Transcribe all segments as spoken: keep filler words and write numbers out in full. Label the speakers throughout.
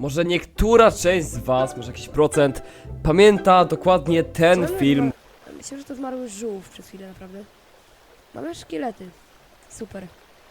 Speaker 1: może niektóra część z was, może jakiś procent, pamięta dokładnie ten film.
Speaker 2: Myślę, że to zmarły żółw przez chwilę, naprawdę. Mamy szkielety. Super.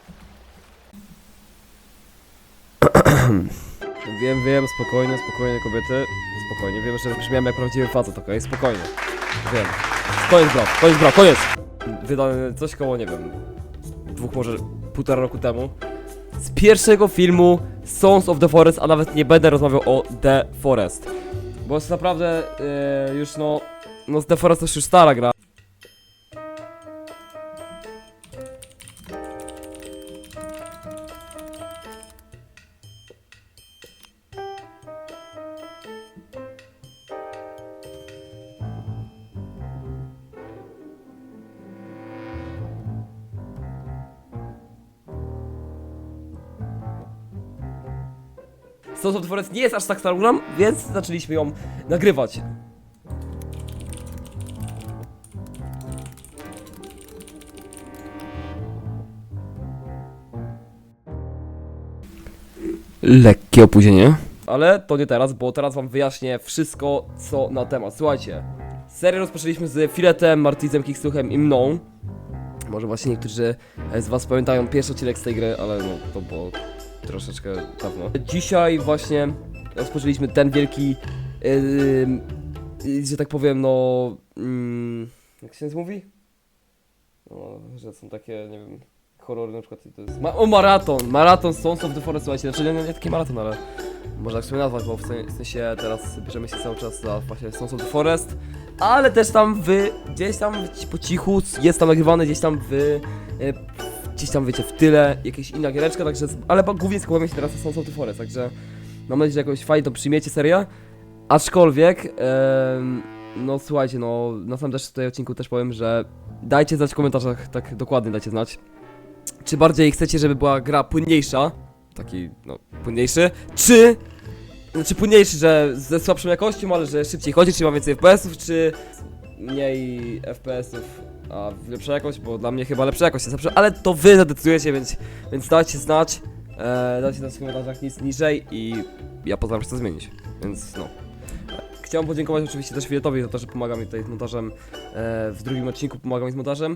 Speaker 1: Wiem, wiem, spokojnie, spokojnie kobiety, spokojnie, wiem, że brzmiałem jak prawdziwy facet, okej, spokojnie. Wiem. Koniec bro, koniec bro, koniec! Wydane coś koło, nie wiem, dwóch, może półtora roku temu. Z pierwszego filmu Sons of the Forest, a nawet nie będę rozmawiał o The Forest. Bo jest naprawdę yy, już no, no The Forest to już stara gra. Sons of the Forest nie jest aż tak starą grą, więc zaczęliśmy ją nagrywać. Lekkie opóźnienie. Ale to nie teraz, bo teraz wam wyjaśnię wszystko, co na temat. Słuchajcie, serię rozpoczęliśmy z Filetem, Martizem, Kikstuchem i mną. Może właśnie niektórzy z was pamiętają pierwszy odcinek z tej gry, ale no to było troszeczkę dawno. Dzisiaj właśnie rozpoczęliśmy ten wielki, yy, yy, że tak powiem, no... Yy, jak się mówi? No, że są takie, nie wiem, horrory na przykład, to jest... Ma o, maraton! Maraton Sons of the Forest, słuchajcie, znaczy nie, nie taki maraton, ale... Można tak sobie nazwać, bo w sensie teraz bierzemy się cały czas za właśnie Sons of the Forest. Ale też tam wy, gdzieś tam po cichu, jest tam nagrywany, gdzieś tam wy... Yy, gdzieś tam wiecie, w tyle, jakaś inna giereczka, także, ale głównie skupiamy się teraz na Sons of the Forest, także mam nadzieję, że jakoś fajnie to przyjmiecie serię, aczkolwiek, em, no słuchajcie, no na samym też tutaj odcinku też powiem, że dajcie znać w komentarzach, tak dokładnie dajcie znać, czy bardziej chcecie, żeby była gra płynniejsza, taki, no, płynniejszy, czy, znaczy płynniejszy, że ze słabszą jakością, ale że szybciej chodzi, czy ma więcej F P S ów, czy mniej F P S ów, a lepsza jakość, bo dla mnie chyba lepsza jakość jest lepsza, ale to wy zadecydujecie, więc, więc dajcie znać, e, dajcie znać w komentarzach nic niżej i ja postaram się to zmienić, więc no. Chciałem podziękować oczywiście też Filetowi za to, że pomaga mi tutaj z montażem, e, w drugim odcinku pomaga mi z montażem.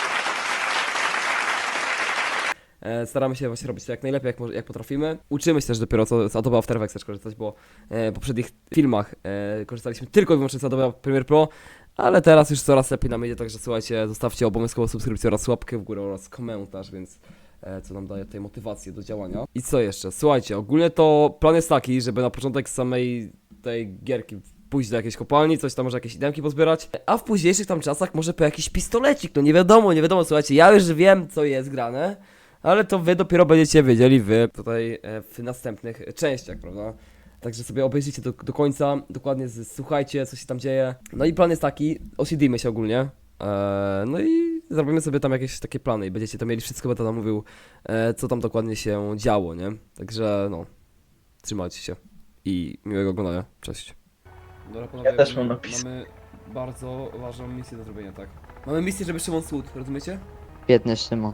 Speaker 1: E, staramy się właśnie robić to jak najlepiej, jak, jak potrafimy. Uczymy się też dopiero co z Adobe After Effects korzystać, bo e, w poprzednich filmach e, korzystaliśmy tylko i wyłącznie z Adobe Premiere Pro, ale teraz już coraz lepiej nam idzie, także słuchajcie, zostawcie obowiązkowo subskrypcję oraz łapkę w górę oraz komentarz, więc e, co nam daje tej motywację do działania. I co jeszcze? Słuchajcie, ogólnie to plan jest taki, żeby na początek samej tej gierki pójść do jakiejś kopalni, coś tam może jakieś idemki pozbierać, a w późniejszych tam czasach może po jakiś pistolecik, no nie wiadomo, nie wiadomo, słuchajcie, ja już wiem co jest grane, ale to wy dopiero będziecie wiedzieli wy tutaj e, w następnych częściach, prawda? Także sobie obejrzyjcie do, do końca, dokładnie z, słuchajcie, co się tam dzieje. No i plan jest taki, osiedlimy się ogólnie. Eee, no i zrobimy sobie tam jakieś takie plany i będziecie to mieli wszystko, będę tam mówił, e, co tam dokładnie się działo, nie? Także no, trzymajcie się i miłego oglądania. Cześć. Dobra, panowie,
Speaker 3: Ja też mam napis.
Speaker 1: Mamy bardzo ważną misję do zrobienia, tak? Mamy misję, żeby Szymon Słud, rozumiecie?
Speaker 3: Biedny Szymon.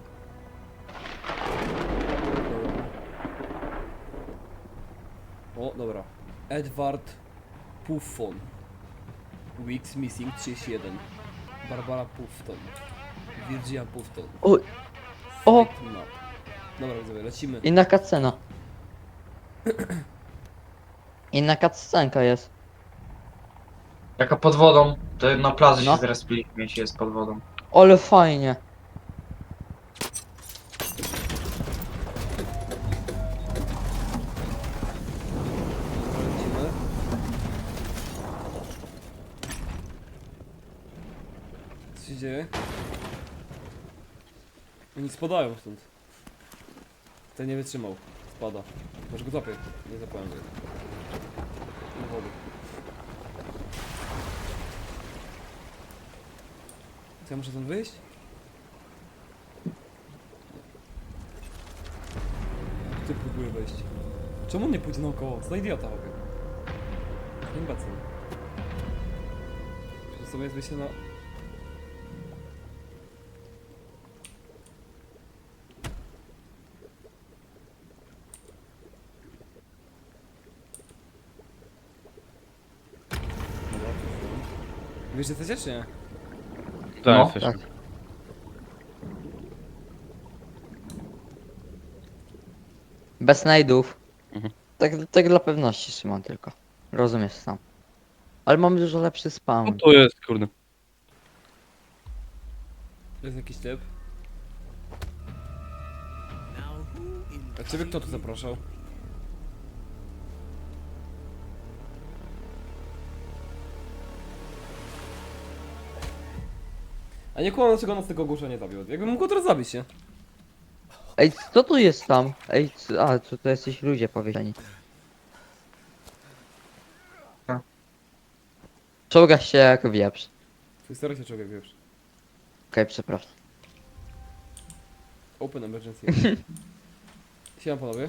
Speaker 1: O, dobra. Edward Puffon. Weeks Missing trzydzieści jeden. Barbara Puffton. Virginia Puffton.
Speaker 3: O, o!
Speaker 1: Fake map. Dobra, widzowie, lecimy.
Speaker 3: Inna cutscena. Inna cutscenka jest.
Speaker 4: Jaka pod wodą, to na plaży
Speaker 3: No.
Speaker 4: się zrespiliśmy, jeśli jest pod wodą.
Speaker 3: Ale fajnie.
Speaker 1: Dobra, lecimy. Co się dzieje? Oni spadają stąd. Ten nie wytrzymał. Spada. Może go złapię. Nie zapałem go. Do wody. Co, ja muszę stąd wyjść? Ty próbuję wejść. Czemu on nie pójdzie naokoło? Co za idiota robię? Nie bacę. Przecież sobie jest wyjście na... Wiesz, że chcecie, czy nie?
Speaker 5: Tak,
Speaker 4: No,
Speaker 5: jesteśmy.
Speaker 3: Tak. Bez snajdów.
Speaker 5: Mhm.
Speaker 3: Tak, tak dla pewności Szymon tylko. Rozumiesz sam. Ale mam dużo lepszy
Speaker 5: No
Speaker 3: spawn.
Speaker 5: tu jest, kurde.
Speaker 1: Jest jakiś typ. A ciebie kto tu zapraszał? A nie kłamam, dlaczego nas tego ogłusza nie zabił. Jakbym mógł go teraz zabić, nie?
Speaker 3: Ej, co tu jest tam? Ej, co, a, co to jesteś ludzie powiedziani.
Speaker 4: A.
Speaker 3: Czołgasz się jak wieprz.
Speaker 1: Twój stary się człowiek, wiesz.
Speaker 3: Okej, przepraszam.
Speaker 1: Open emergency. Siema panowie.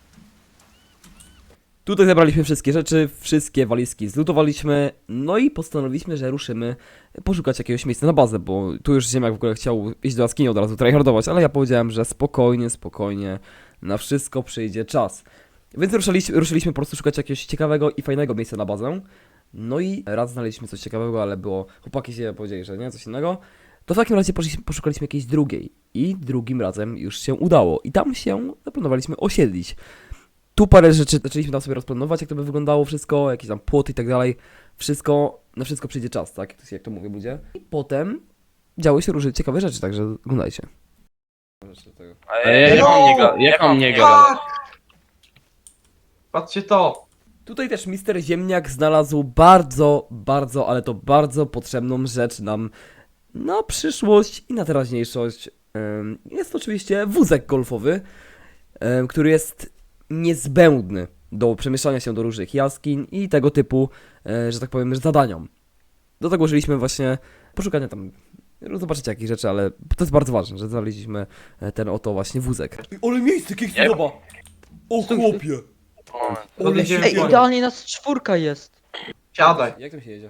Speaker 1: Tutaj zebraliśmy wszystkie rzeczy, wszystkie walizki zlutowaliśmy, no i postanowiliśmy, że ruszymy poszukać jakiegoś miejsca na bazę, bo tu już Ziemiak w ogóle chciał iść do jaskini od razu tryhardować, ale ja powiedziałem, że spokojnie, spokojnie, na wszystko przyjdzie czas. Więc ruszyliśmy, ruszyliśmy po prostu szukać jakiegoś ciekawego i fajnego miejsca na bazę. No i raz znaleźliśmy coś ciekawego, ale było, chłopaki się powiedzieli, że nie, coś innego. To w takim razie poszliśmy, poszukaliśmy jakiejś drugiej i drugim razem już się udało i tam się zaplanowaliśmy osiedlić. Tu parę rzeczy zaczęliśmy tam sobie rozplanować, jak to by wyglądało wszystko, jakieś tam płoty i tak dalej. Wszystko, na wszystko przyjdzie czas, tak? Jak to, jak to mówię ludzie. I potem działy się różne ciekawe rzeczy, także oglądajcie.
Speaker 5: Ale jak mam nie ga- jak mam nie gadać?
Speaker 4: Tak! Patrzcie to!
Speaker 1: Tutaj też mister Ziemniak znalazł bardzo, bardzo, ale to bardzo potrzebną rzecz nam na przyszłość i na teraźniejszość. Ym, Jest to oczywiście wózek golfowy, ym, który jest niezbędny do przemieszczania się do różnych jaskiń i tego typu, e, że tak powiem, zadaniom. Do tego użyliśmy właśnie poszukania tam, zobaczycie jakich rzeczy, ale to jest bardzo ważne, że znaleźliśmy e, ten oto właśnie wózek. Ale miejsce, jak się podoba! O chłopie!
Speaker 4: Ole się
Speaker 3: Ej,
Speaker 4: Oj.
Speaker 3: idealnie nas czwórka jest.
Speaker 4: Siadaj.
Speaker 1: Jak tam się jedzie?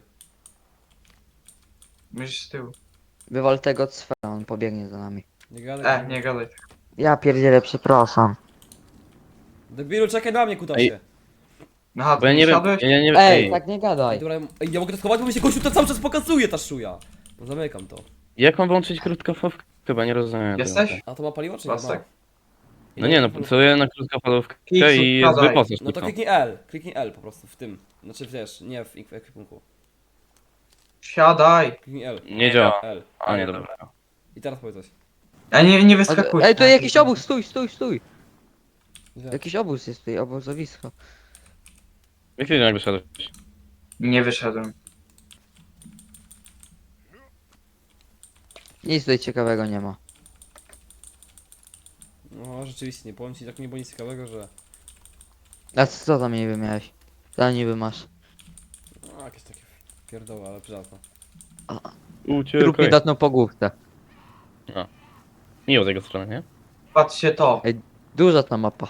Speaker 4: Myślisz z tyłu.
Speaker 3: Wywal tego cwera, on pobiegnie za nami.
Speaker 1: Nie gadaj.
Speaker 4: E, nie gadaj.
Speaker 3: Ja pierdzielę, przepraszam.
Speaker 1: Debilu, czekaj na mnie, kutasie.
Speaker 4: Aha,
Speaker 5: Bo ja
Speaker 4: ty
Speaker 5: nie wiem,
Speaker 4: siadłeś?
Speaker 5: ja nie
Speaker 3: Ej,
Speaker 5: ej,
Speaker 3: tak nie
Speaker 1: Ej,
Speaker 3: gadaj.
Speaker 1: dobra, ej, ja mogę to schować, bo mi się gościu to cały czas pokazuje, ta szuja. No zamykam to.
Speaker 5: jak mam włączyć krótkofalówkę? Chyba nie rozumiem.
Speaker 4: Jesteś?
Speaker 1: A to ma paliwo, czy nie ma?
Speaker 4: Pasek.
Speaker 5: No nie no, pracuję na krótkofalówkę
Speaker 4: Kiksu,
Speaker 5: i jest
Speaker 4: siadaj.
Speaker 5: wyposaż
Speaker 1: No to
Speaker 5: tylko.
Speaker 1: kliknij L, kliknij L po prostu w tym. Znaczy wiesz, nie w w ekwipunku.
Speaker 4: Siadaj.
Speaker 1: Kliknij L.
Speaker 5: Nie działa.
Speaker 1: L.
Speaker 5: A nie, dobra.
Speaker 1: I teraz powiedz coś.
Speaker 4: A nie, nie
Speaker 3: A,
Speaker 4: wyskakuj.
Speaker 3: ej, tu jakiś obóz, stój, stój, stój.
Speaker 1: Gdzie?
Speaker 3: Jakiś obóz jest tutaj, obozowisko.
Speaker 5: Jak ty jak wyszedłeś?
Speaker 4: Nie wyszedłem.
Speaker 3: Nic tutaj ciekawego nie ma.
Speaker 1: No rzeczywiście, nie powiem ci, tak nie było nic ciekawego, że...
Speaker 3: A co tam niby miałeś? Co niby masz?
Speaker 1: No jakieś takie pierdoły, ale przyjazne.
Speaker 3: Trup
Speaker 5: Uciekaj.
Speaker 3: niedawno po główce.
Speaker 5: Miło z jego strony, nie?
Speaker 4: Patrzcie to.
Speaker 3: Duża ta mapa.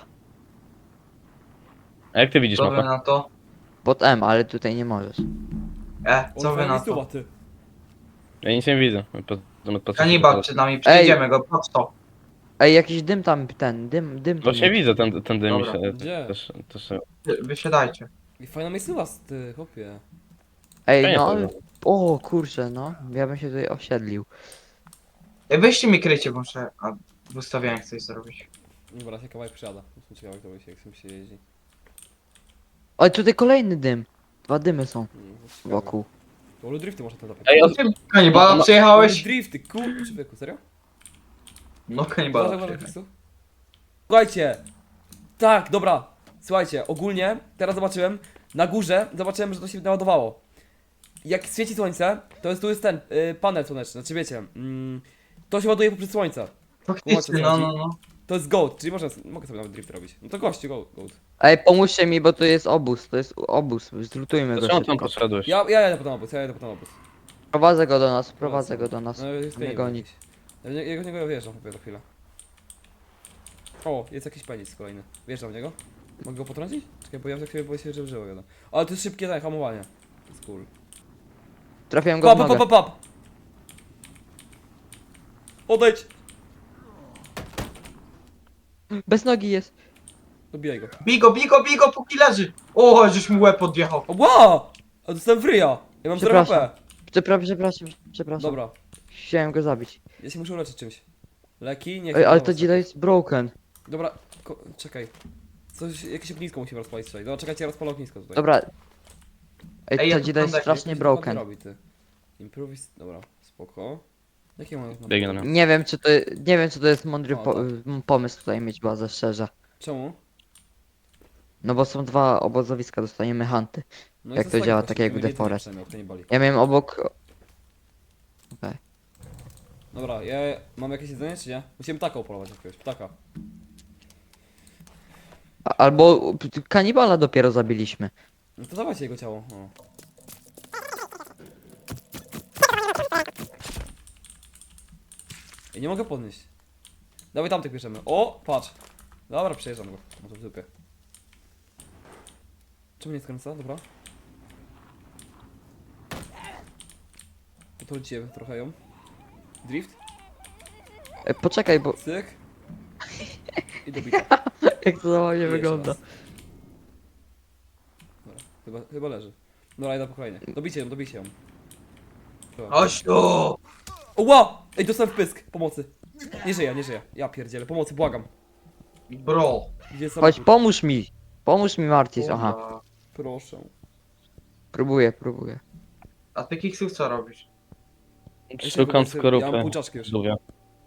Speaker 5: A jak ty widzisz
Speaker 4: Co wy
Speaker 5: mapę?
Speaker 4: na to?
Speaker 3: Pod M, ale tutaj nie możesz.
Speaker 4: E, co
Speaker 1: O,
Speaker 4: wy na
Speaker 1: miejscowa,
Speaker 4: to?
Speaker 1: ty.
Speaker 5: Ja nic nie widzę. Po- zamiast patrzeć
Speaker 4: Kanibal
Speaker 5: na-
Speaker 4: przed nami, przejdziemy go, patrz to.
Speaker 3: Ej, jakiś dym tam, ten, dym, dym tam
Speaker 5: Właśnie
Speaker 3: jest.
Speaker 5: widzę ten, ten dym mi
Speaker 4: Dobra.
Speaker 5: się
Speaker 1: Gdzie?
Speaker 5: też, też,
Speaker 4: Wy- Wysiadajcie.
Speaker 1: I fajna miejscowa, ty, chłopie.
Speaker 3: Ej,
Speaker 5: Fajnie
Speaker 3: no,
Speaker 5: to było.
Speaker 3: o kurczę, no. Ja bym się tutaj osiedlił.
Speaker 4: Ej, weźcie mi krycie, bo muszę... A, w ustawieniach coś zrobić.
Speaker 1: Dobra, się kawałek przyjada. Jestem ciekawy, jak to się, jak tym się jeździ.
Speaker 3: Oj, tutaj kolejny dym. Dwa dymy są
Speaker 1: Mm, to jest ciekawe.
Speaker 3: wokół.
Speaker 1: To Olu drifty można tam zapytać.
Speaker 5: Ej, o-
Speaker 4: Ty, kanibala
Speaker 5: No, no.
Speaker 4: przyjechałeś?
Speaker 1: Drifty, kur... Człowieku, serio?
Speaker 4: No, kanibala
Speaker 1: Uważaj, uważaj,
Speaker 4: przyjechałeś.
Speaker 1: Krzysztof. Słuchajcie! Tak, dobra. Słuchajcie, ogólnie, teraz zobaczyłem, na górze zobaczyłem, że to się naładowało. Jak świeci słońce, to jest, tu jest ten, y, panel słoneczny, znaczy wiecie, mm, to się ładuje poprzez słońce.
Speaker 4: Faktycznie, no, no, no.
Speaker 1: To jest gold, czyli można, mogę sobie nawet drift robić. No to gościu, gold. gold.
Speaker 3: Ej, pomóżcie mi, bo to jest obóz, to jest obóz. Zlutujmy go
Speaker 5: Dlaczego tam
Speaker 3: szybko.
Speaker 5: poszedłeś?
Speaker 1: Ja, ja jadę po ten obóz, ja jadę po ten obóz.
Speaker 3: Prowadzę go do nas, prowadzę go do nas.
Speaker 1: No jest
Speaker 3: Nie
Speaker 1: nie
Speaker 3: goni.
Speaker 1: jakiś. Ja w nie- ja w niego wjeżdżam chyba za chwilę. O, jest jakiś penis kolejny. Wjeżdżam w niego. Mogę go potrącić? Czekaj, bo ja za chwilę boję się, że żyło jadę. Ale to jest szybkie tak, hamowanie. To jest cool.
Speaker 3: Trafiłem go
Speaker 1: Pap,
Speaker 3: w
Speaker 1: pap,
Speaker 3: nogę.
Speaker 1: pap, pap! Odejdź!
Speaker 3: Bez nogi jest.
Speaker 1: Dobijaj go.
Speaker 4: Bigo, bigo, bigo, póki leży! O, żeś mu łeb odjechał.
Speaker 1: O, wow! A dostałem w ryja! Ja mam zero H
Speaker 3: Przepraszam.
Speaker 1: P.
Speaker 3: Przepraszam, przepraszam, przepraszam.
Speaker 1: Dobra,
Speaker 3: Chciałem go zabić.
Speaker 1: ja się muszę uleczyć czymś. Leki? Nie.
Speaker 3: Ej, ale
Speaker 1: chyba
Speaker 3: to
Speaker 1: was-
Speaker 3: dzida jest broken.
Speaker 1: Dobra, ko- czekaj. Coś, jakieś ognisko musimy rozpalić tutaj. Dobra, czekajcie, ja rozpalę ognisko tutaj.
Speaker 3: Dobra.
Speaker 4: Ej,
Speaker 3: Ej,
Speaker 4: ja
Speaker 3: to
Speaker 4: tu
Speaker 3: dzida jest
Speaker 4: kontakty,
Speaker 3: strasznie
Speaker 1: Jak to się ładnie
Speaker 3: broken.
Speaker 1: robi, ty. Improvis... Dobra, spoko. Jakie mam...
Speaker 5: Biegnie na mnie.
Speaker 3: Nie wiem, czy to, nie wiem, czy to jest mądry
Speaker 1: O,
Speaker 3: po,
Speaker 1: tak.
Speaker 3: m, pomysł tutaj mieć bazę, szczerze.
Speaker 1: Czemu?
Speaker 3: No bo są dwa obozowiska, dostaniemy hunty.
Speaker 1: No i
Speaker 3: Jak to
Speaker 1: zostań
Speaker 3: działa,
Speaker 1: właśnie,
Speaker 3: tak jak
Speaker 1: żeby
Speaker 3: w
Speaker 1: jedzenie
Speaker 3: The Forest.
Speaker 1: przynajmniej, jak to nie boli.
Speaker 3: Ja miałem obok... Okej.
Speaker 1: Dobra, ja mam jakieś jedzenie czy nie? Musimy ptaka upolować jakiegoś, ptaka.
Speaker 3: A- Albo p- kanibala dopiero zabiliśmy.
Speaker 1: No to dawajcie jego ciało. O. I nie mogę podnieść. Dawaj tamtych bierzemy. O, patrz. Dobra, przejeżdżam go. No to w dupie. Czemu nie skręca? Dobra. Potrąciłem trochę ją. Drift.
Speaker 3: E, poczekaj, bo
Speaker 1: Cyk. I dobita.
Speaker 3: jak to za mnie
Speaker 1: Jeszcze
Speaker 3: wygląda.
Speaker 1: raz. Dobra, chyba, chyba leży. Dobra, idę po kolejny. Dobijcie ją, dobijcie ją. Dobra.
Speaker 4: Chodź tu!
Speaker 1: O, wow! Ej, dostałem w pysk. Pomocy. Nie żyję, nie żyję. Ja pierdzielę. Pomocy, błagam.
Speaker 4: Bro.
Speaker 1: Gdzie jest
Speaker 3: Chodź,
Speaker 1: samochód?
Speaker 3: pomóż mi. Pomóż mi, Martis. Aha,
Speaker 4: Kurwa.
Speaker 1: Proszę.
Speaker 3: próbuję, próbuję.
Speaker 4: A ty Kiksów co robisz?
Speaker 1: Jeszcze
Speaker 5: Szukam
Speaker 1: chyba jestem- Ja mam
Speaker 5: skorupy.
Speaker 1: pół czaszki już.
Speaker 5: Żółwia.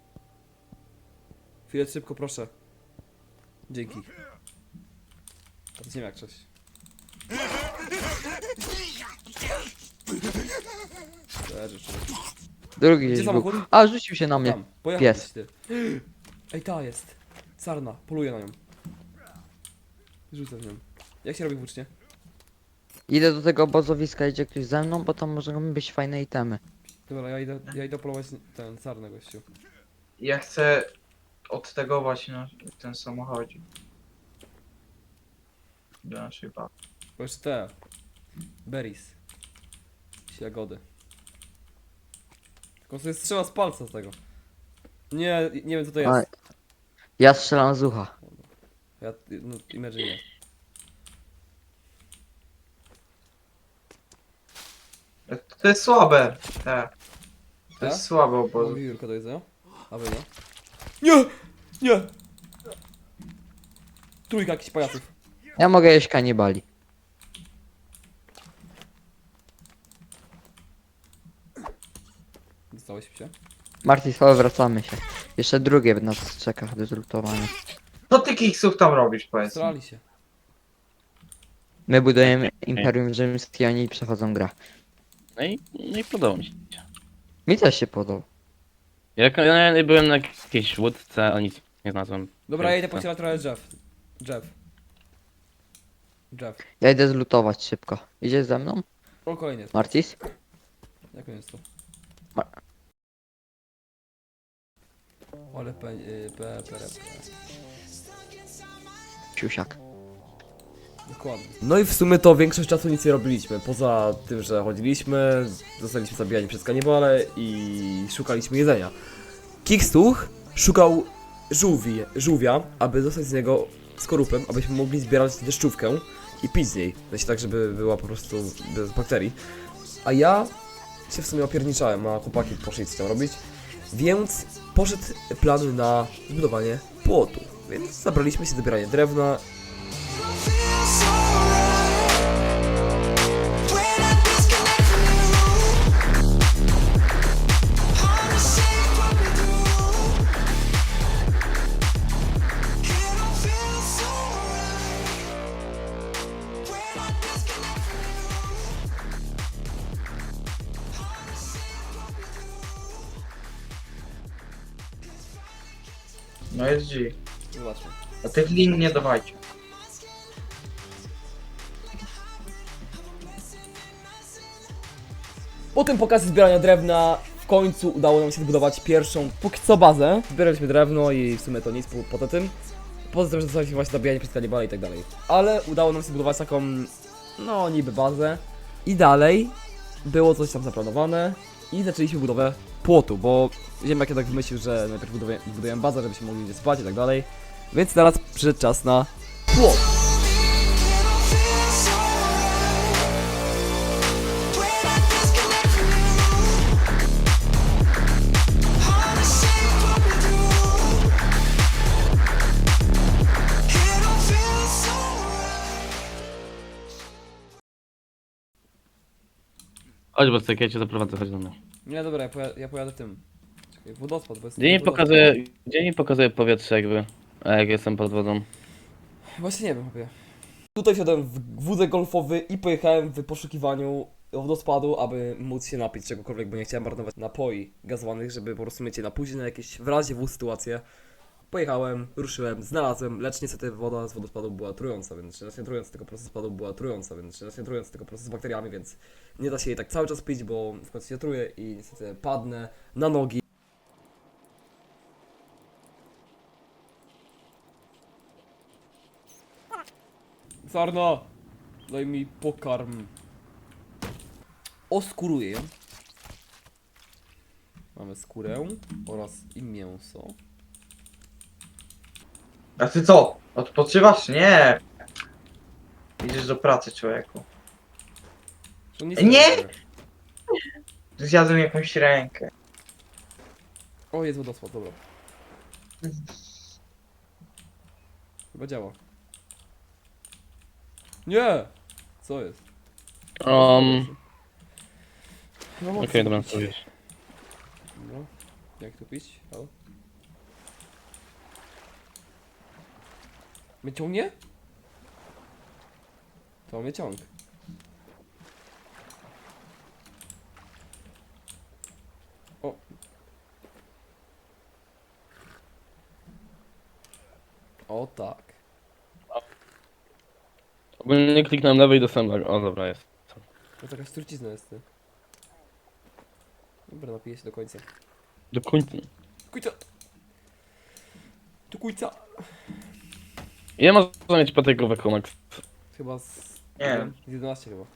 Speaker 1: Chwilę szybko, proszę. Dzięki. To nie wiem jak coś. Leży, człowiek.
Speaker 3: Drugi
Speaker 1: Gdzie
Speaker 3: gdzieś był.
Speaker 1: samochód?
Speaker 3: A, rzucił się na mnie.
Speaker 1: Tam, pojechał
Speaker 3: Pies.
Speaker 1: gdzieś, ty. Ej, ta jest. Sarna, poluję na nią. Rzucę w nią. Jak się robi włócznie?
Speaker 3: Idę do tego obozowiska, idzie ktoś ze mną, bo tam mogą być fajne itemy.
Speaker 1: Dobra, ja idę, ja idę polować ten sarnę gościu.
Speaker 4: Ja chcę odtegować na ten samochodzik. Do naszej bazy.
Speaker 1: Bo jeszcze te. Berries. Jagody. Tylko sobie strzela z palca z tego. Nie, nie wiem co to jest.
Speaker 3: A, ja strzelam z ucha.
Speaker 1: Ja, no, Imagine nie.
Speaker 4: To jest słabe. Te. To
Speaker 1: Tak?
Speaker 4: jest słabe
Speaker 1: Mam
Speaker 4: obozy.
Speaker 1: wiewiórka do jedzenia. A wy nie? Nie! Nie! Trójka jakichś pajaców.
Speaker 3: Ja mogę jeść kanibali.
Speaker 1: Dostałeś się?
Speaker 3: Martis, chodź, wracamy się. Jeszcze drugie nas czeka do zlutowania.
Speaker 4: Co ty Kiksów tam robisz, powiedz mi?
Speaker 1: Strali się.
Speaker 3: My budujemy Imperium Rzymskie, oni przechodzą grę.
Speaker 5: No i, no i podoba mi się.
Speaker 3: Mi też się podoba.
Speaker 5: Jak ja byłem na jakiejś łódce, a nic nie znalazłem.
Speaker 1: Dobra, ja idę
Speaker 5: Co?
Speaker 1: pocielać trochę drzew. Drzew. Drzew.
Speaker 3: Ja idę zlutować szybko. Idziesz ze mną,
Speaker 1: O, kolejny jest.
Speaker 3: Martis?
Speaker 1: Jak on jest to?
Speaker 3: Ma-
Speaker 1: Ale pe... y, pe... pe... pe...
Speaker 3: Siusiak.
Speaker 1: Dokładnie. No i w sumie to większość czasu nic nie robiliśmy. Poza tym, że chodziliśmy, zostaliśmy zabijani przez kanibale i szukaliśmy jedzenia. Kikstuch szukał żółwi, żółwia, aby dostać z niego skorupę, abyśmy mogli zbierać deszczówkę i pić z niej. Znaczy tak, żeby była po prostu bez bakterii. A ja się w sumie opierniczałem, a chłopaki poszli coś tam robić. Więc poszedł plan na zbudowanie płotu. Więc zabraliśmy się do zbierania drewna.
Speaker 4: No jest G.
Speaker 1: Zobaczmy.
Speaker 4: A tych lin nie dawajcie.
Speaker 1: Po tym pokazie zbierania drewna w końcu udało nam się zbudować pierwszą, póki co bazę. Zbieraliśmy drewno i w sumie to nic po, poza tym. Poza tym, że zostaliśmy właśnie zabijani przez kanibale i tak dalej. Ale udało nam się zbudować taką, no niby bazę. I dalej było coś tam zaplanowane i zaczęliśmy budowę płotu, bo Ziemniak jednak wymyślił, że najpierw budujemy, budujemy bazę, żebyśmy mogli gdzie spać i tak dalej. Więc teraz przyszedł czas na płot.
Speaker 6: When I disconnect from you
Speaker 5: Chodź, bo ja cię zaprowadzę, chodź do mnie.
Speaker 1: Nie, dobra, ja, poja ja pojadę tym. Czekaj, wodospad, bo jest...
Speaker 5: Gdzie mi
Speaker 1: wodospad.
Speaker 5: pokazuje, gdzie mi pokazuje powietrze jakby, a jak jestem pod wodą.
Speaker 1: Właśnie nie wiem, chłopie. Tutaj wsiadłem w wózek golfowy i pojechałem w poszukiwaniu wodospadu, aby móc się napić czegokolwiek, bo nie chciałem marnować napoi gazowanych, żeby po prostu mieć je na później, na jakieś w razie w sytuację. Pojechałem, ruszyłem, znalazłem, lecz niestety woda z wodospadu była trująca, więc znacznie trująca, tylko proces spadu była trująca, więc znacznie trująca, tylko proces z bakteriami, więc nie da się jej tak cały czas pić, bo w końcu się truje i niestety padnę na nogi. Sarna, daj mi pokarm. Oskuruję ją. Mamy skórę oraz i mięso.
Speaker 4: A ty co? Odpoczywasz? Nie. Idziesz do pracy, człowieku.
Speaker 1: To nic
Speaker 4: Nie!
Speaker 1: nie!
Speaker 4: Zjadłem jakąś rękę.
Speaker 1: O, jest wodospad, dobra. Chyba działa. Nie! Co jest?
Speaker 5: Um,
Speaker 1: No,
Speaker 5: okej,
Speaker 1: okay,
Speaker 5: dobra, co wiesz.
Speaker 1: Dobra. Jak tu pić? Halo? Mnie ciągnie? To mnie ciąg. O. O tak.
Speaker 5: Ogólnie kliknąłem lewej do sembla. O, dobra, jest.
Speaker 1: To jakaś trucizna jest, ty. Dobra, napiję się do końca.
Speaker 5: Do końca.
Speaker 1: Kujca! Tu kujca!
Speaker 5: Ile można mieć patykówek, Max?
Speaker 1: Chyba z...
Speaker 4: Nie wiem.
Speaker 1: Z jedenaście chyba.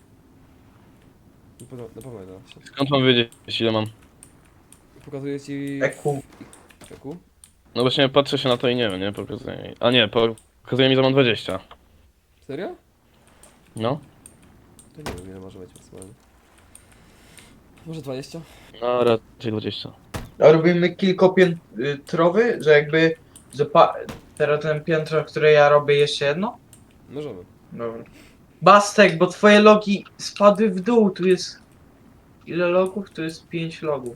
Speaker 1: Na pewno, na pewno jedenaście.
Speaker 5: Skąd mam wiedzieć, ile mam?
Speaker 1: Pokazuję ci...
Speaker 4: E Q.
Speaker 1: Eku?
Speaker 5: No właśnie patrzę się na to i nie wiem, nie? Pokazuje mi. A nie, pokazuje mi, że mam dwadzieścia.
Speaker 1: Serio?
Speaker 5: No.
Speaker 1: To nie wiem ile może być maksymalnie. Może dwadzieścia?
Speaker 5: No, raczej dwadzieścia.
Speaker 4: A robimy kilkopiętrowy, że jakby, że pa... teraz ten piętro, które ja robię, jeszcze jedno?
Speaker 1: Możemy.
Speaker 4: Dobra. Bastek, bo twoje logi spadły w dół, tu jest... Ile logów? Tu jest pięć logów.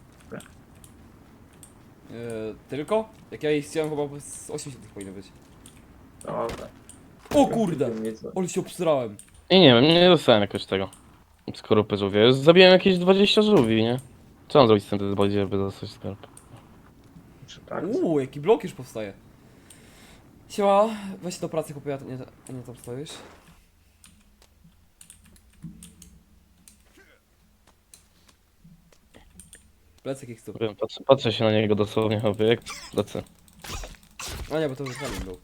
Speaker 1: Eee, tylko? Jak ja ich chciałem chyba z osiemdziesiąt powinno być.
Speaker 4: Dobra.
Speaker 1: O kurde! Ale się obsrałem.
Speaker 5: I nie wiem, nie dostałem jakoś tego. Skorupy żółwie. Zabiłem jakieś dwadzieścia żółwi, nie? Co mam zrobić z tym bardziej, żeby dostać skorupę?
Speaker 4: Tak.
Speaker 1: Uuu, jaki blok już powstaje. Siema, weź się do pracy, chłopie, ja nie, nie tam stoisz. Plecek ich stóp.
Speaker 5: Wiem, patrzę, patrzę się na niego dosłownie, chłopie, jak lecę.
Speaker 1: A nie, bo to już kamień był.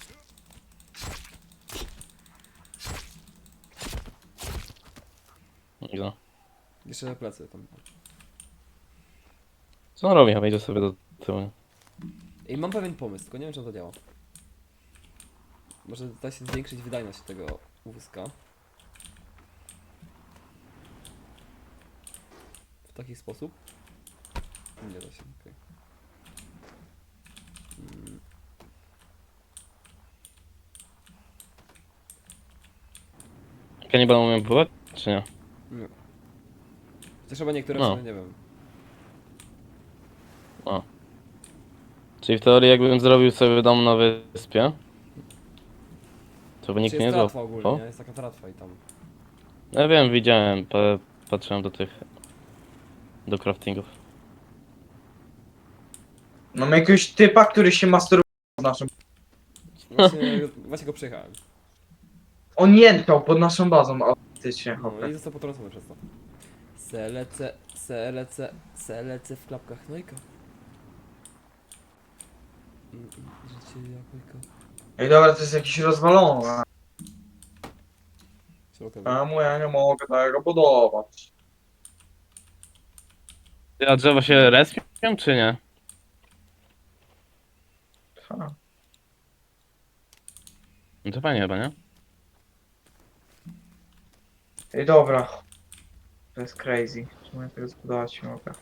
Speaker 5: I no.
Speaker 1: Jeszcze plecy tam.
Speaker 5: Co on robi? Chyba idzie sobie do tyłu.
Speaker 1: I mam pewien pomysł, tylko nie wiem czy to działa. Może da się zwiększyć wydajność tego wózka. W taki sposób. Nie da się, okej. Mm.
Speaker 5: Kanibal umiem pływać, czy nie?
Speaker 1: Nie. Chociaż chyba niektóre
Speaker 5: No.
Speaker 1: no. nie wiem.
Speaker 5: O. Czyli w teorii jakbym zrobił sobie dom na wyspie, to by nikt
Speaker 1: Czy
Speaker 5: mnie
Speaker 1: jest
Speaker 5: nie
Speaker 1: tratwa
Speaker 5: złapał.
Speaker 1: ogólnie, nie? Jest taka tratwa i tam.
Speaker 5: Ja wiem, widziałem, pa patrzyłem do tych... do craftingów.
Speaker 4: Mam jakiegoś typa, który się masturbuje pod naszą...
Speaker 1: Właśnie, właśnie go przejechałem.
Speaker 4: On jęczał pod naszą bazą, autentycznie,
Speaker 1: No
Speaker 4: hopę.
Speaker 1: i został potrącony przez to. Selece, selece, selece w klapkach Nojka. Mm, mm, Życie jabłka.
Speaker 4: Ej, dobra, to jest jakiś rozwalony.
Speaker 1: Środkowy.
Speaker 4: Czemu ja nie mogę tego budować?
Speaker 5: A drzewa się respią, czy nie?
Speaker 4: Ha.
Speaker 5: No to fajnie chyba, nie?
Speaker 4: Ej, dobra. To jest crazy. Czemu ja tego zbudować nie mogę?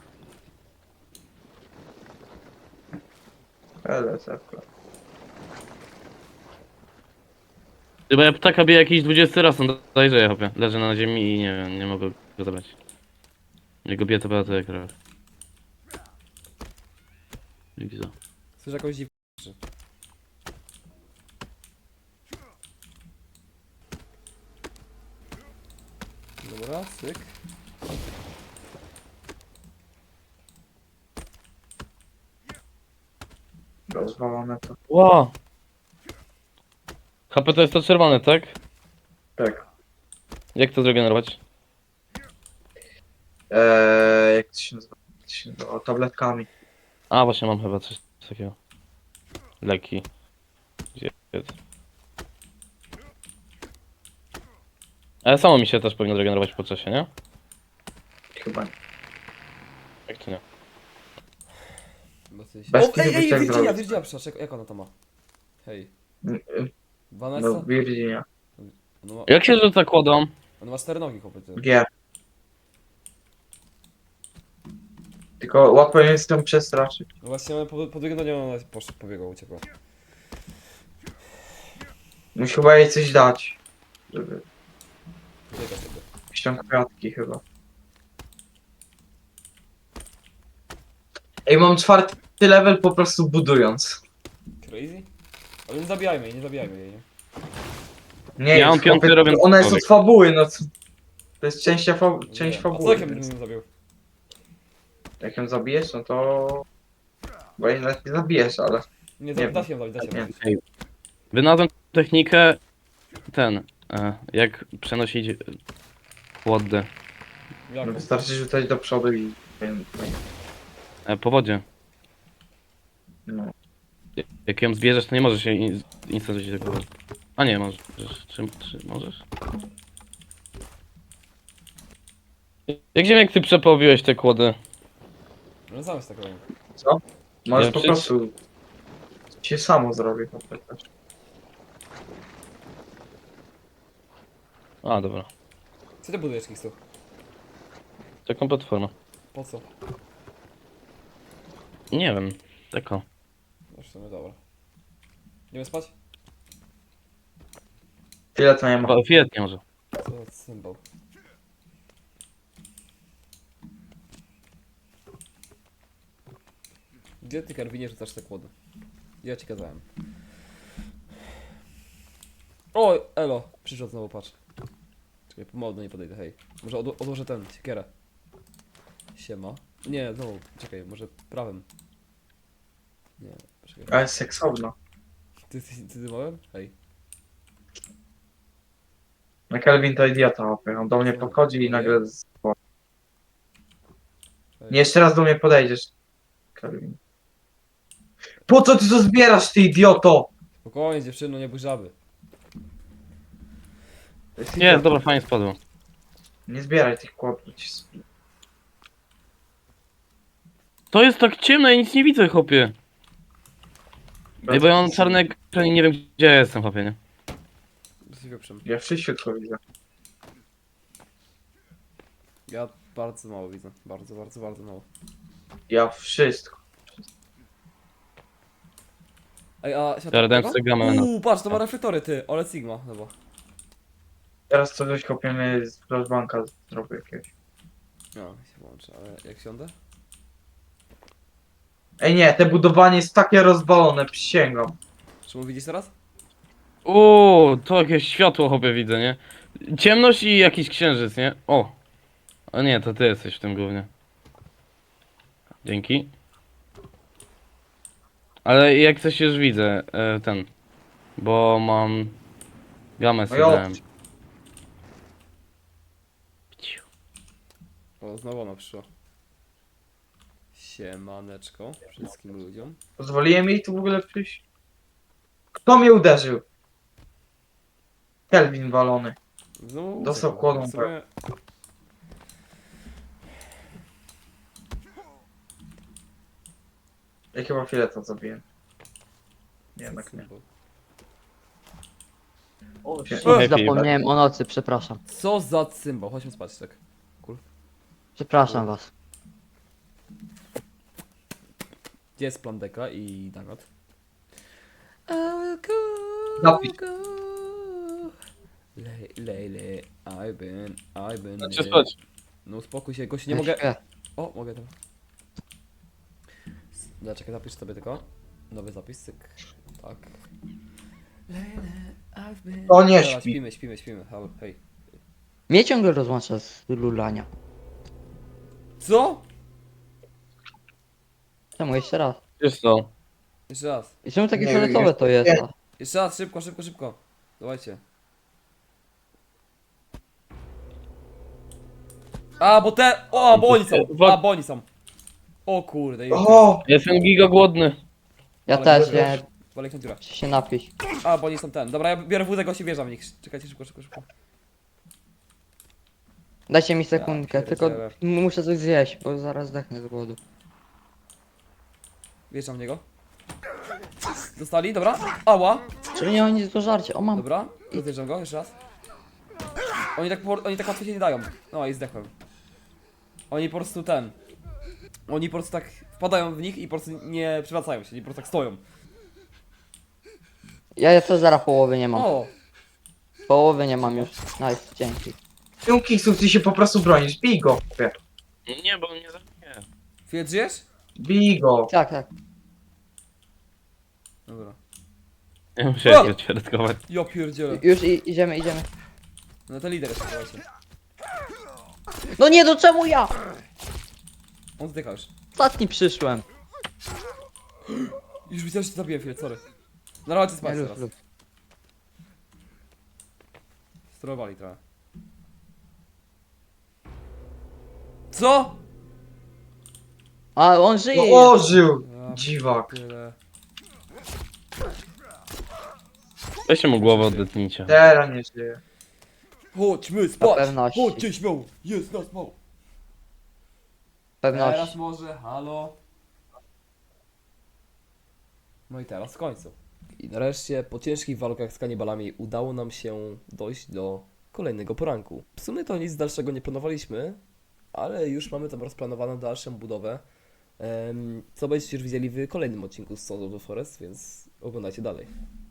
Speaker 4: L C F.
Speaker 5: Chyba ja ptaka biję jakiś dwudziesty raz, on dajże chłopie. Leży na ziemi i nie wiem, nie mogę go zabrać. Jego bije to to jak krew. Widzę.
Speaker 1: Słyszę jakąś dziwkę. Dobra, cyk.
Speaker 4: Rozwalone to.
Speaker 5: Ło! H P to jest to czerwone, tak?
Speaker 4: Tak.
Speaker 5: Jak to zregenerować?
Speaker 4: Eee, jak to się nazywa? Jak to się nazywa? Tabletkami.
Speaker 5: A, właśnie mam chyba coś takiego. Leki. Gdzie jest? Ale samo mi się też powinno zregenerować po czasie, nie?
Speaker 4: Chyba nie.
Speaker 5: Jak to nie?
Speaker 1: Bo coś...
Speaker 4: Bez
Speaker 1: O, ej,
Speaker 4: kitu
Speaker 1: ej,
Speaker 4: byś tak
Speaker 1: Virginia,
Speaker 4: zrobił.
Speaker 1: Virginia, przepraszam, jak- jak ona to ma? Hej.
Speaker 4: Mm, y,
Speaker 1: Vanessa?
Speaker 4: No, Virginia.
Speaker 1: Ona ma,
Speaker 5: Jak się rzuca kłodą?
Speaker 1: ona ma cztery nogi, chłopie, ty.
Speaker 4: G. Tylko łatwo jest ją przestraszyć.
Speaker 1: No właśnie, ona po, po drugie do niej ona poszła, pobiegła, uciekła.
Speaker 4: Musi chyba jej coś dać. Żeby...
Speaker 1: Ucieka sobie.
Speaker 4: Jakieś tam kwiatki chyba. Ej, mam czwarty level po prostu budując.
Speaker 1: Crazy? Ale nie zabijajmy jej, nie zabijajmy jej, nie?
Speaker 4: Nie,
Speaker 5: Ja mam
Speaker 4: chłopie,
Speaker 5: piąty, robię
Speaker 4: ona jest od
Speaker 5: człowiek.
Speaker 4: fabuły, no co? To jest część, fa... część
Speaker 1: Nie. A co
Speaker 4: fabuły.
Speaker 1: jak ja bym
Speaker 4: Więc
Speaker 1: nie zabił?
Speaker 4: jak ją zabijesz, no to... Bo jej nawet nie zabijesz, ale...
Speaker 1: Nie,
Speaker 4: Nie
Speaker 1: da, da
Speaker 4: wiem.
Speaker 1: się ją zabić, da się
Speaker 4: Nie.
Speaker 1: ją zabić.
Speaker 5: Wynalazłem technikę... Ten... E, jak przenosić... e, Kłody.
Speaker 4: No
Speaker 1: Jak?
Speaker 4: wystarczy rzucać do przodu i...
Speaker 5: E, po wodzie.
Speaker 4: No.
Speaker 5: Jak ją zbierzesz, to nie możesz się in- instant rzucić tego. A nie, możesz. Czy, czy możesz? Jak Ziemek ty przepowiłeś te kłody?
Speaker 1: No sam jest tak robił.
Speaker 4: Co? Możesz
Speaker 5: Ja
Speaker 4: po
Speaker 5: przecież-
Speaker 4: prostu... Się samo zrobię po prostu.
Speaker 5: A, dobra.
Speaker 1: Co ty budujesz, Kiksu?
Speaker 5: Taką platformę.
Speaker 1: Po co?
Speaker 5: Nie wiem. Taką.
Speaker 1: No w sumie dobra. Idziemy spać?
Speaker 4: Tyle to nie ma.
Speaker 5: Chyba Fiat nie może.
Speaker 1: Co za symbol. Gdzie ty, Karwinie, rzucasz te kłody? Ja ci kazałem. O, elo, przyszedł znowu, patrz. Czekaj, pomału do niej podejdę, hej. Może odło odłożę ten, siekierę. Siema. Nie, znowu, czekaj, może prawym. Nie, czekaj.
Speaker 4: Ale seksowna.
Speaker 1: Ty, ty, ty, ty małem? Hej.
Speaker 4: No Kelvin to idiota, łapie. On do mnie podchodzi i nagle... z-
Speaker 1: hej.
Speaker 4: Nie, jeszcze raz do mnie podejdziesz. Kelvin. Po co ty to zbierasz, ty idioto?
Speaker 1: Spokojnie, dziewczyno, nie bój żaby.
Speaker 4: To jest
Speaker 5: Nie,
Speaker 4: idiota.
Speaker 5: dobra, fajnie spadło.
Speaker 4: Nie zbieraj tych kłopotów. ci sp-
Speaker 5: To jest tak ciemno, ja nic nie widzę, chłopie. Ej, bo ja mam czarny ekran i nie wiem, gdzie ja jestem, chłopie, nie?
Speaker 1: Z wieprzem.
Speaker 4: Ja wszystko widzę.
Speaker 1: Ja bardzo mało widzę. Bardzo, bardzo, bardzo mało.
Speaker 4: Ja wszystko.
Speaker 1: Ej, a światło
Speaker 5: Teraz dałem
Speaker 1: tego?
Speaker 5: sobie gamę na-
Speaker 1: Uuu, patrz, to ma reflektory, ty. Ole Sigma, chyba.
Speaker 4: Teraz coś kopiemy z flashbanka zrobię jakiegoś.
Speaker 1: No, się włączy, ale jak siądę?
Speaker 4: Ej nie, te budowanie jest takie rozwalone, przysięgam.
Speaker 1: Czy mu widzisz teraz?
Speaker 5: Uuu, to jakieś światło, chłopie, widzę, nie? Ciemność i jakiś księżyc, nie? O! A nie, to ty jesteś w tym głównie. Dzięki. Ale jak coś już widzę, e, ten. Bo mam... Gamę
Speaker 4: No
Speaker 5: sobie
Speaker 4: i o-
Speaker 5: dałem.
Speaker 1: O, znowu ona przyszła. Siemaneczko wszystkim ludziom.
Speaker 4: Pozwoliłem jej tu w ogóle przyjść? Kto mnie uderzył? Kelvin walony.
Speaker 1: Znowu
Speaker 4: Dostał
Speaker 1: uciekła.
Speaker 4: kłodą,
Speaker 1: W sumie...
Speaker 4: Ja chyba fileta zabiję. Jednak nie.
Speaker 1: symbol.
Speaker 3: O,
Speaker 4: Się-
Speaker 3: shit,
Speaker 5: Happy.
Speaker 3: zapomniałem o nocy, przepraszam.
Speaker 1: Co za symbol? Chodźmy spać, tak.
Speaker 3: Przepraszam was.
Speaker 1: Gdzie jest Plandeka i Dagot? I will go,
Speaker 4: Napisz.
Speaker 1: go. Lej, lej, lej. I've been, I've been.
Speaker 5: Znaczy spać.
Speaker 1: No uspokój się, gościu, nie
Speaker 3: Ja
Speaker 1: mogę...
Speaker 3: śpię.
Speaker 1: O, mogę to. No, czekaj, zapisz sobie tylko. Nowy zapis, cyk. Tak.
Speaker 4: O, nie
Speaker 1: Dobra,
Speaker 4: śpi.
Speaker 1: śpimy, śpimy, śpimy. Halo, hej.
Speaker 3: Mnie ciągle rozłącza z lulania.
Speaker 1: Co?
Speaker 3: Czemu jeszcze raz?
Speaker 5: Wiesz co?
Speaker 1: Jeszcze raz.
Speaker 3: I czemu takie
Speaker 4: Nie,
Speaker 3: fioletowe
Speaker 4: jest-
Speaker 3: to jest?
Speaker 4: nie.
Speaker 1: Jeszcze raz, szybko, szybko, szybko. Dawajcie. A, bo te... O, bo oni są. A, bo oni są. O kurde. jest-
Speaker 4: O!
Speaker 5: Jestem giga głodny.
Speaker 3: Ja
Speaker 1: Ale
Speaker 3: też,
Speaker 1: dobra.
Speaker 3: ja
Speaker 1: Walek na dziurę.
Speaker 3: chcę się napić.
Speaker 1: A, bo oni są ten. Dobra, ja biorę wódę, gości wjeżdżam w nich. Czekajcie, szybko, szybko, szybko.
Speaker 3: Dajcie mi sekundkę,
Speaker 1: Ja
Speaker 3: tylko
Speaker 1: pierdzielę.
Speaker 3: m- muszę coś zjeść, bo zaraz zdechnę z głodu.
Speaker 1: Wjeżdżam w niego. Dostali, dobra. Ała.
Speaker 3: Czyli nie mam nic do żarcia, o mam.
Speaker 1: Dobra, rozjeżdżam go, jeszcze raz. Oni tak, po- oni tak łatwo się nie dają. No i zdechłem. Oni po prostu ten. Oni po prostu tak wpadają w nich i po prostu nie przewracają się, oni po prostu tak stoją.
Speaker 3: Ja, ja to zaraz połowy nie mam.
Speaker 1: O!
Speaker 3: Połowy nie mam już. Nice, dzięki.
Speaker 4: Czemu Kingsów ty się po prostu bronisz? Bij go.
Speaker 5: Nie, bo mnie zabije.
Speaker 1: Chwilę, żyjesz?
Speaker 4: Bij go.
Speaker 3: Tak, tak.
Speaker 1: Dobra.
Speaker 5: Ja musiałem
Speaker 1: O!
Speaker 5: się odświadkować.
Speaker 1: Ja pierdzielę.
Speaker 3: Już i, idziemy, idziemy.
Speaker 1: No to lider jeszcze, słuchajcie.
Speaker 3: No nie, no czemu ja?
Speaker 1: On zdycha już.
Speaker 3: Ostatni przyszłem.
Speaker 1: Już widziałem, że cię zabiłem chwilę, sorry. Na razie
Speaker 3: Nie,
Speaker 1: spać
Speaker 3: luz,
Speaker 1: teraz.
Speaker 3: luz.
Speaker 1: Sterowali trochę. Co?
Speaker 3: A, on żyje.
Speaker 4: No ożył!
Speaker 1: Ja
Speaker 4: Dziwak.
Speaker 1: Tyle.
Speaker 5: Weźcie mu głowę odetnijcie.
Speaker 4: Teraz nie żyje.
Speaker 1: Chodźmy spać!
Speaker 3: pewności.
Speaker 1: Chodźcie śmiało! Jest nas mało! Teraz
Speaker 3: Pewność.
Speaker 1: może, halo? No i teraz w końcu. I nareszcie po ciężkich walkach z kanibalami udało nam się dojść do kolejnego poranku. W sumie to nic dalszego nie planowaliśmy, ale już mamy tam rozplanowaną dalszą budowę, em, co będziecie już widzieli w kolejnym odcinku z Sons of the Forest, więc oglądajcie dalej.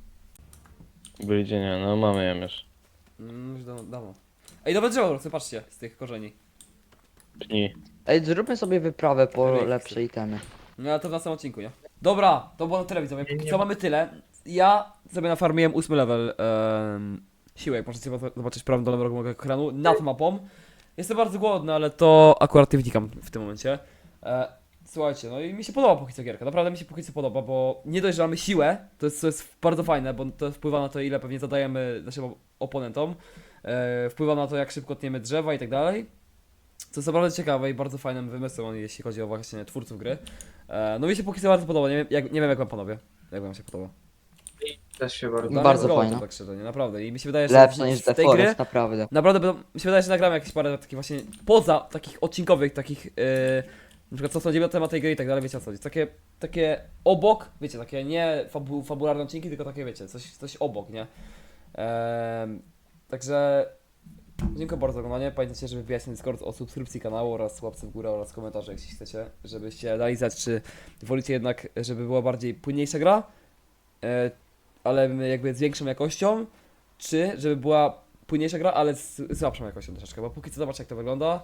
Speaker 5: Wyjdzie nie, no mamy jem już.
Speaker 1: Mm, już dawno, dawno. Ej, nowe drzewo rosły, patrzcie, z tych korzeni.
Speaker 5: Pni.
Speaker 3: Ej, zróbmy sobie wyprawę po
Speaker 1: Ryk.
Speaker 3: lepsze itemy.
Speaker 1: No ale to w następnym odcinku, nie? Dobra, to było na tyle widzowie, póki
Speaker 4: Nie
Speaker 1: co
Speaker 4: ma-
Speaker 1: mamy tyle. Ja sobie nafarmiłem ósmy level em, siły, jak możecie zobaczyć w prawym dolnym rogu mojego ekranu, nad mapą. Jestem bardzo głodny, ale to akurat nie wnikam w tym momencie. E, słuchajcie, no i mi się podoba póki co gierka, naprawdę mi się póki co podoba, bo nie dość, że mamy siłę, to jest, to jest bardzo fajne, bo to wpływa na to, ile pewnie zadajemy naszym op- oponentom, e, wpływa na to, jak szybko tniemy drzewa i tak dalej. Co jest naprawdę ciekawe i bardzo fajnym wymysłem, jeśli chodzi o właśnie twórców gry. E, no mi się póki co bardzo podoba, nie wiem jak, nie wiem jak wam panowie, jak wam się podoba.
Speaker 4: Też się bardzo.
Speaker 1: Dla mnie
Speaker 3: Bardzo
Speaker 1: jest
Speaker 3: fajne.
Speaker 1: to tak szczerze, nie? Naprawdę. I mi się wydaje, że
Speaker 3: Lepsze
Speaker 1: w,
Speaker 3: niż
Speaker 1: w
Speaker 3: The
Speaker 1: tej gry
Speaker 3: Forest, naprawdę.
Speaker 1: naprawdę będą, mi się wydaje, że nagramy jakieś parę takich właśnie poza takich odcinkowych, takich yy, na przykład co sądzimy na temat tej gry i tak dalej, wiecie o co chodzi. Takie, takie obok, wiecie, takie nie fabu, fabularne odcinki, tylko takie wiecie, coś, coś obok, nie? Ehm, także dziękuję bardzo za oglądanie. Pamiętajcie, żeby wbijać na Discord o subskrypcji kanału oraz łapce w górę oraz komentarze, jeśli chcecie, żebyście dali znać, czy wolicie jednak, żeby była bardziej płynniejsza gra, e, ale jakby z większą jakością, czy żeby była płynniejsza gra, ale z słabszą jakością troszeczkę, bo póki co zobaczcie jak to wygląda.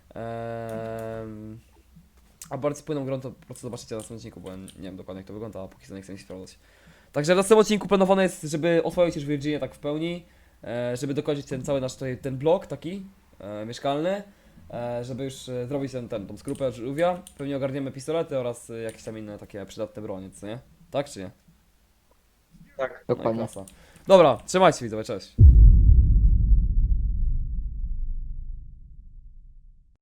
Speaker 1: Ehm, a bardziej płynną grą to po prostu zobaczycie na następnym odcinku, bo ja nie wiem dokładnie jak to wygląda, a póki co nie chcę mi się sprawdzać. Także w następnym odcinku planowane jest, żeby oswoić już Virginię tak w pełni, e, żeby dokończyć ten cały nasz tutaj, ten blok taki e, mieszkalny, e, żeby już e, zrobić ten, ten, tą skrupę żółwia. Pewnie ogarniemy pistolety oraz e, jakieś tam inne takie przydatne bronie, co nie? Tak czy nie?
Speaker 4: Tak.
Speaker 1: No i
Speaker 3: Dokładnie.
Speaker 1: klasa. Dobra, trzymajcie się widzowie, cześć.